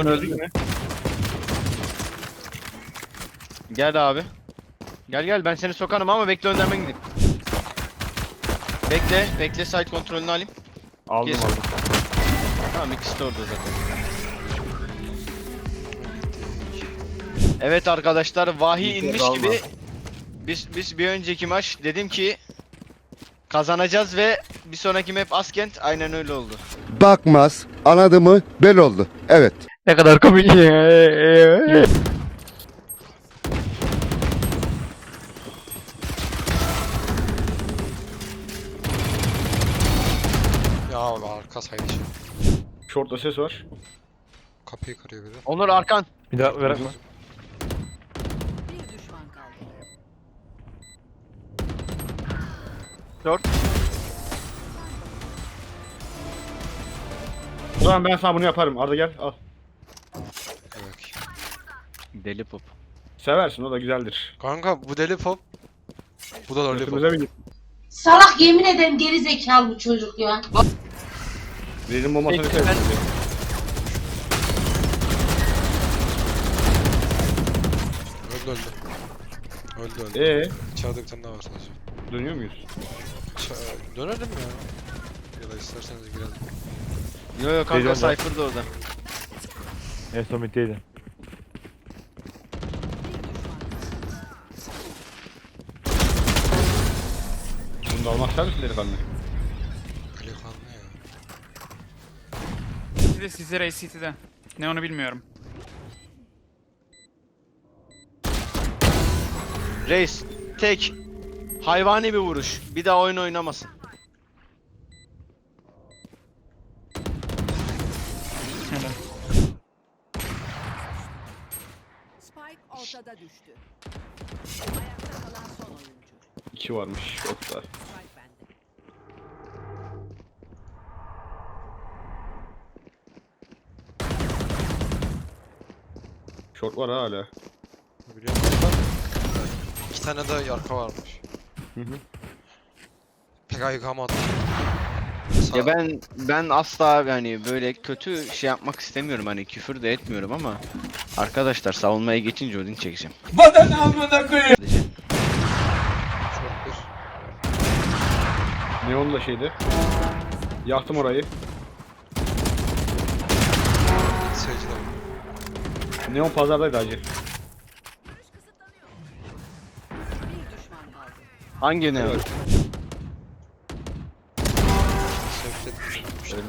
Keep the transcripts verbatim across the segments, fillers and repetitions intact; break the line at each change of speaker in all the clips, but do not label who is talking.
Arkan öldü mü?
Gel abi. Gel gel ben seni sokarım ama bekle önden ben gideyim. Bekle, bekle site kontrolünü alayım.
Aldım
Kes.
aldım.
Tamam ikisi de orada zaten. Evet arkadaşlar vahiy
Bir kez
inmiş
alma.
gibi biz biz bir önceki maç dedim ki kazanacağız ve bir sonraki map Askent aynen öyle oldu.
Bakmaz, anladı mı bel oldu. Evet.
Ne kadar komik.
Ya abi arka saydı şimdi.
Short'ta ses var.
Kapıyı kırıyor biri.
Onur arkan.
Bir daha bırakma.
Bir düşman kaldı.
Short.
O zaman ben sana bunu yaparım. Arda gel al.
Evet.
Deli pop.
Seversin o da güzeldir.
Kanka bu deli pop. Bu da lollipop.
Götümüze bir git.
Salak yemin ederim geri zekalı bu çocuk ya.
Birinin bombasını
Peki,
sevdim.
Öldü öldü. Öldü öldü.
Eee
İçeride bir tane daha var sadece.
dönüyor muyuz?
Ç- Dönelim ya. Ya da isterseniz girelim.
Yo yo kanka
Geliyorum ben.
Cypher da orada.
En son middeydi.
Bunu da almak ister misin delikanlı?
Delikanlı ya.
City'de sizde Ray City'de. Ne onu bilmiyorum.
Reis tek hayvani bir vuruş. Bir daha oyun oynamasın.
Helal.
Spike ortada düştü. Ayakta kalan son oyuncu.
İki varmış short'ta.
Spike bende.
Short var ha hala.
Biliyor musun? İki tane de arka varmış.
Hı hı.
Pek ayıkamadı.
Ya ben ben asla yani böyle kötü şey yapmak istemiyorum hani küfür de etmiyorum ama arkadaşlar savunmaya geçince ödün çekeceğim.
Çok bir.
Neon da şeydi. Yaktım orayı.
Seyirci de var.
Neon pazardaydı hacı.
Bir düşman kaldı.
Hangi ne?
Evet.
Seyirci de-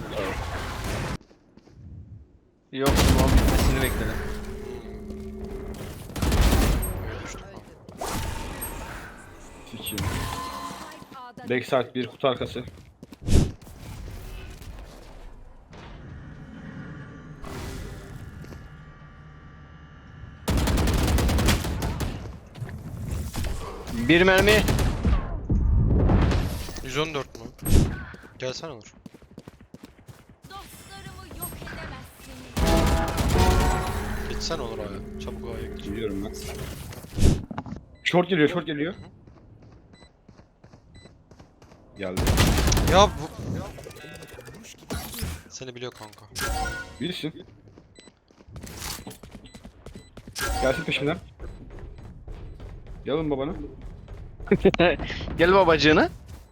Yok tamam bitmesini bekledim.
Öyle düştü kanka.
Sikiyim.
Spike A'da
Backside bir kutu arkası.
Bir mermi.
yüz on dört mü? Gelsene Onur.
Dostlarımı yok edemezsiniz.
Gitsene Onur abi. Çabuk A'ya git.
Gidiyorum ben. Short geliyor, short geliyor. Geldi.
Ya bu... Seni biliyor kanka.
Bilirsin. Gelsin peşimden. Yalın babanı.
Gel babacığını.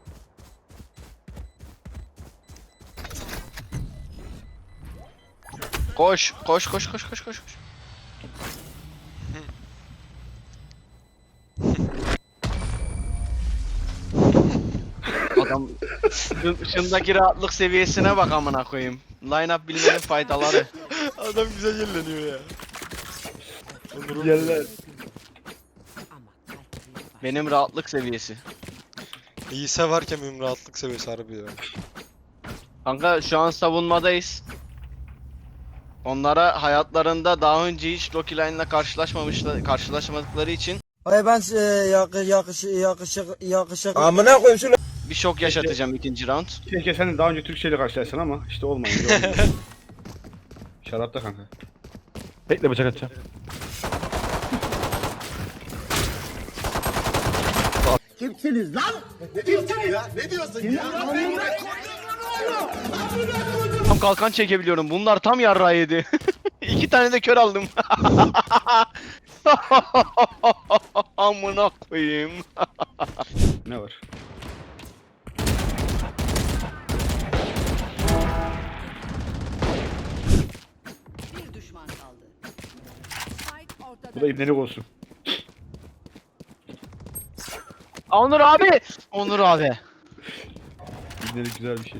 Koş, koş, koş, koş, koş, koş. koş. Adam şun- şundaki rahatlık seviyesine bak amına koyayım. Line up bilmenin faydaları.
Adam güzel yerleniyor ya.
Yerler.
Ama kalpleri var.
Benim rahatlık seviyesi.
İyi severken benim rahatlık seviyesi harbi ya.
Kanka şu an savunmadayız. Onlara hayatlarında daha önce hiç Rocky Line'la karşılaşmamışlar, karşılaşmadıkları için
Ay ben e, yakış yakış yakışık yakışık. Amına koyayım şunu.
bir şok yaşatacağım ikinci round.
Keşke sen daha önce Türkçe ile karşılaşsan ama işte olmayınca olmuyor. Şarapta kanka.
Bekle bıçak atacağım.
Kimsiniz lan?
Tam kalkan çekebiliyorum. Bunlar tam yarrağı yedi. İki iki tane de kör aldım. Amına koyayım.
Ne var?
Bir düşman kaldı. Spike ortada.
Bu da ibnelik olsun.
Onur abi. Onur abi.
İbnelik güzel bir şey.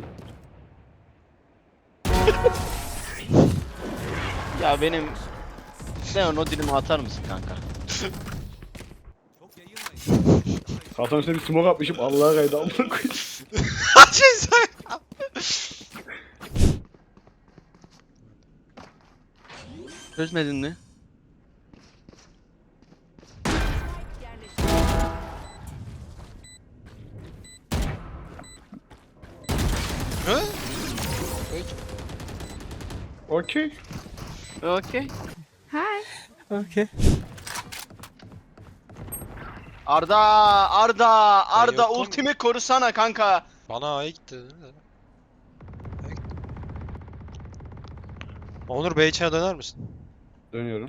Ya benim Leon o dilimi atar mısın kanka?
Kaltan üstüne bir smoke atmışım. Allah'a kaydı amına koyayım.
Çözmedin mi?
Yerleştirildi.
Hı?
Okey.
Okey.
Okey.
Arda, Arda, Arda
yokum.
ultimi korusana kanka.
Bana A'ya gitti değil mi? A'ya gitti. Onur Bey içine döner misin?
Dönüyorum.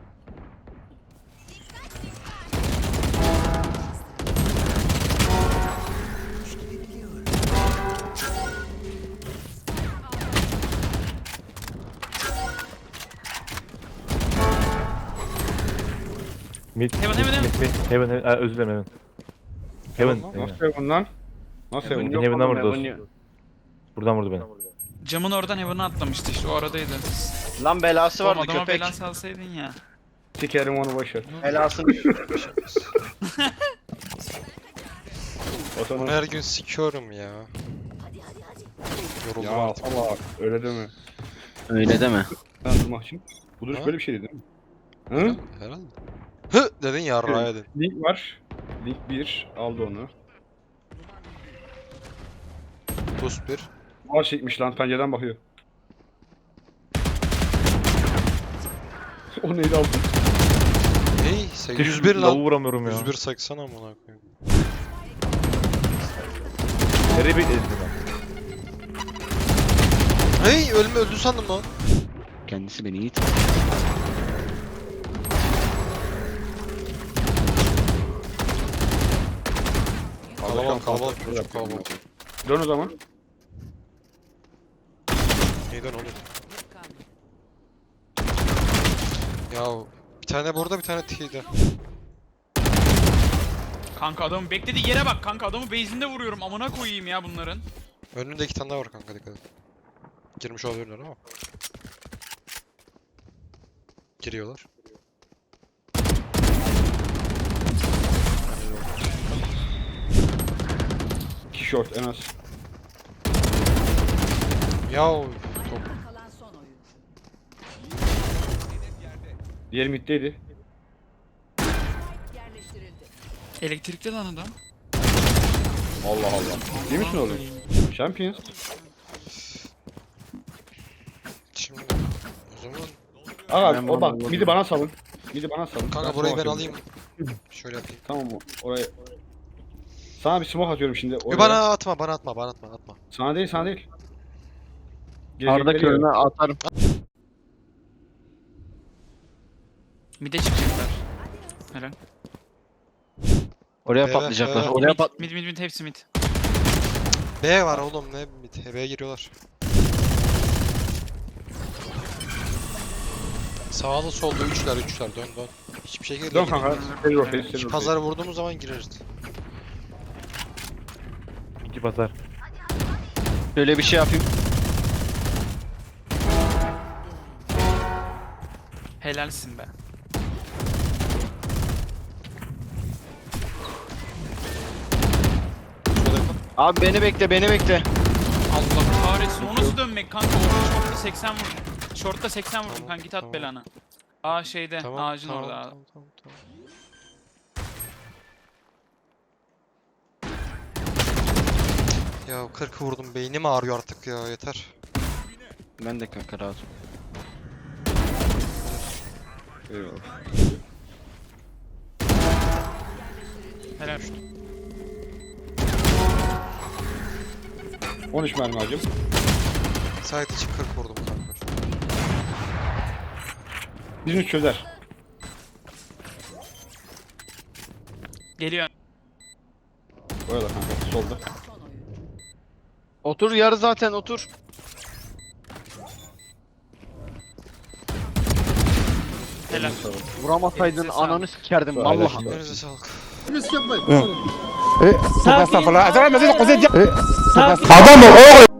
Mid.
Heaven, heaven,
mid, mid. Heaven, heaven. Aa, özür dilerim Heaven. Heaven.
Nasıl Heaven lan? Nasıl
Heaven
Heaven?
yok.
Heaven'dan
oğlum,
vurdu
Heaven
dostum.
yok.
Buradan vurdu beni.
Camın oradan Heaven'a atlamıştı işte o aradaydı.
Lan belası
Oğlum
vardı
adama
köpek.
bela salsaydın ya.
Sikerim onu boşver.
Belasını.
O
Onu
sana...
her gün sikiyorum ya. Yoruldum
Ya
artık.
Allah öyle deme.
Öyle deme.
Ben durmak için. Bu duruş
Ha?
böyle bir şey değil mi? Hı?
Herhalde. Hı dedin yarrağı dedin.
Link var. Link bir aldı onu.
Boost bir.
Var çekmiş lan pencereden bakıyor. O neydi aldı?
Hey sen yüz bir
Lavu
lan.
vuramıyorum ya.
yüz bir seksen amına koyayım.
Nereye bekledin lan?
Hey ölme öldü sandım lan.
Kendisi beni iyi tanır.
Kalabalık kalabalık çok kalabalık.
Dön o zaman.
Neyden oğlum? Ya bir tane burada bir tane T'de.
Kanka adamın beklediği yere bak kanka adamı base'inde vuruyorum amına koyayım ya bunların.
Önünde iki tane daha var kanka dikkat et. Girmiş olabilirler ama. Giriyorlar.
İki short en az.
Ya top.
Kalan son oyun.
Diğer middeydi.
Yerleştirildi.
Elektrikli lan adam.
Allah Allah. Değil misin oğlum? Champions.
Şimdi o zaman
Aga
Ben
o bak
bunu-
midi bana salın. Midi bana salın.
kanka burayı ben
smoke
alayım.
atıyorum.
Şöyle yapayım.
Tamam oraya. Sana bir smoke atıyorum şimdi.
Yo,
Oraya.
bana atma bana atma bana atma atma.
Sana değil sana değil.
Arda
Gelecekleri
körüne
yok.
atarım.
Mid'e çıkacaklar. Helal.
Oraya
Evet,
patlayacaklar.
evet.
Oraya pat.
Mid mid mid hepsi mid.
B var oğlum ne mid. B'ye giriyorlar. Sağlı solda üçler üçler dön dön. Hiçbir şey geri
Dön kanka. Seri rotate, seri rotate.
Pazar vurduğumuz zaman gireriz.
İki pazar.
Şöyle bir şey yapayım.
Helalsin be.
Abi beni bekle beni bekle.
Allah kahretsin o nasıl dönmek kanka orada short'ta seksen vurdum. Short'ta seksen vurdum
Tamam,
kanka git at
tamam.
belanı. Aa şeyde
Tamam,
ağacın
tamam,
orada.
Tamam, tamam, tamam. Ya kırk vurdum beynim ağrıyor artık ya yeter.
Ben de kanka rahat ol.
Eyvallah.
Helal.
on üç mermi hacım.
Sait için kırk vurdum kanka.
Birini çözer.
Geliyor.
Orada kanka solda.
Son oyun.
Otur yarı zaten otur.
Helal.
Vuramasaydın
Elinize sağlık.
ananı sikerdim
Öyle
vallahi.
şimdi.
Elinize sağlık.
Adam ol oğlum.